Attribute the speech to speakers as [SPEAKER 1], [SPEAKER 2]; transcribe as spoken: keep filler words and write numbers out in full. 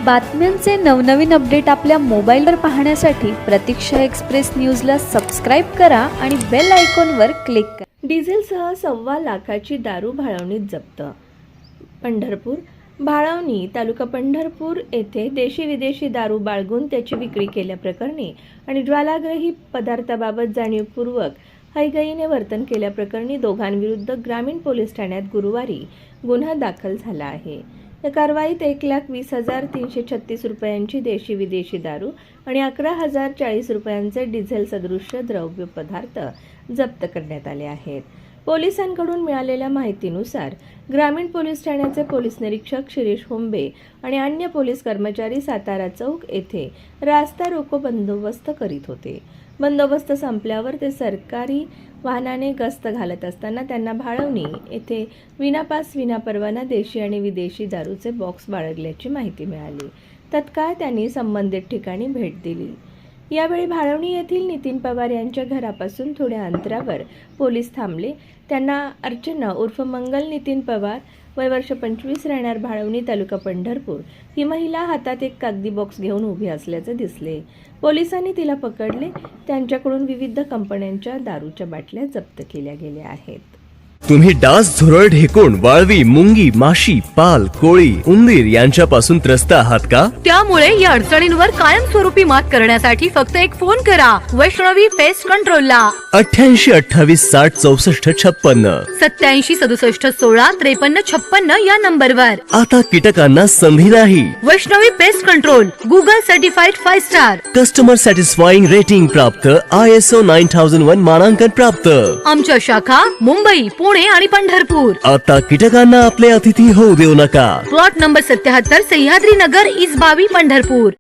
[SPEAKER 1] बातम्यांचे नवनवीन अपडेट आपल्या मोबाईलवर पाहण्यासाठी प्रतीक्षा एक्सप्रेस न्यूजला सबस्क्राईब करा आणि बेल आयकॉनवर क्लिक करा।
[SPEAKER 2] डिझेलसह सव्वा लाखाची दारू भाळवणीत जप्त। पंढरपूर भाळवणी तालुका पंढरपूर येथे देशी विदेशी दारू बाळगून त्याची विक्री केल्याप्रकरणी आणि ज्वालाग्रही पदार्थाबाबत जाणीवपूर्वक हयगयीने वर्तन केल्याप्रकरणी दोघांविरुद्ध ग्रामीण पोलीस ठाण्यात गुरुवारी गुन्हा दाखल झाला आहे। या कारवाईत एक लाख वीस हजार तीनशे छत्तीस रुपयांची देशी विदेशी दारू आणि अकरा हजार चाळीस रुपयांचे डिझेल सदृश्य द्रव्य पदार्थ जप्त करण्यात आले आहेत। पोलिसांकडून मिळालेल्या माहितीनुसार ग्रामीण पोलीस ठाण्याचे पोलीस निरीक्षक शिरीष होंबे आणि अन्य पोलीस कर्मचारी सातारा चौक येथे रास्ता रोको बंदोबस्त करीत होते। बंदोबस्त संपल्यावर ते सरकारी वाहनाने गस्त घालत असताना त्यांना भाळवणी येथे विनापास विनापरवाना देशी आणि विदेशी दारूचे बॉक्स बाळगल्याची माहिती मिळाली। तत्काळ त्यांनी संबंधित ठिकाणी भेट दिली। यावेळी भाळवणी येथील नितीन पवार यांच्या घरापासून थोड्या अंतरावर पोलीस थांबले। त्यांना अर्चना उर्फ मंगल नितीन पवार वय वर्ष पंचवीस राहणार भाळवणी तालुका पंढरपूर ही महिला हातात एक कागदी बॉक्स घेऊन उभी असल्याचे दिसले। पोलिसांनी तिला पकडले। त्यांच्याकडून विविध कंपन्यांच्या दारूच्या बाटल्या जप्त केल्या गेल्या आहेत।
[SPEAKER 3] तुम्ही डास, झुरळ, ढेकुण, वाळवी, मुंगी, माशी, पाल, कोळी, उंदीर यांच्यापासून त्रस्त आहात का?
[SPEAKER 4] त्यामुळे या अडचणींवर कायमस्वरूपी मात करण्यासाठी फक्त एक फोन करा वैष्णवी पेस्ट कंट्रोलला
[SPEAKER 3] अठ्ठ्याऐंशी अठ्ठावीस साठ चौसष्ट छप्पन्न
[SPEAKER 4] सत्याऐंशी सदुसष्ट सोळा त्रेपन्न छप्पन्न या नंबरवर।
[SPEAKER 3] आता कीटकांना संधी नाही।
[SPEAKER 4] Vaishnavi pest control Google certified five star,
[SPEAKER 3] customer satisfying rating प्राप्त, I S O nine thousand one मानांकन प्राप्त।
[SPEAKER 4] आमच्या शाखा मुंबई, पुणे आणि पंढरपूर।
[SPEAKER 3] आता कीटकांना आपले अतिथी होऊ देऊ नका।
[SPEAKER 4] प्लॉट नंबर सत्याहत्तर सह्याद्री नगर, इसबावी, पंढरपूर।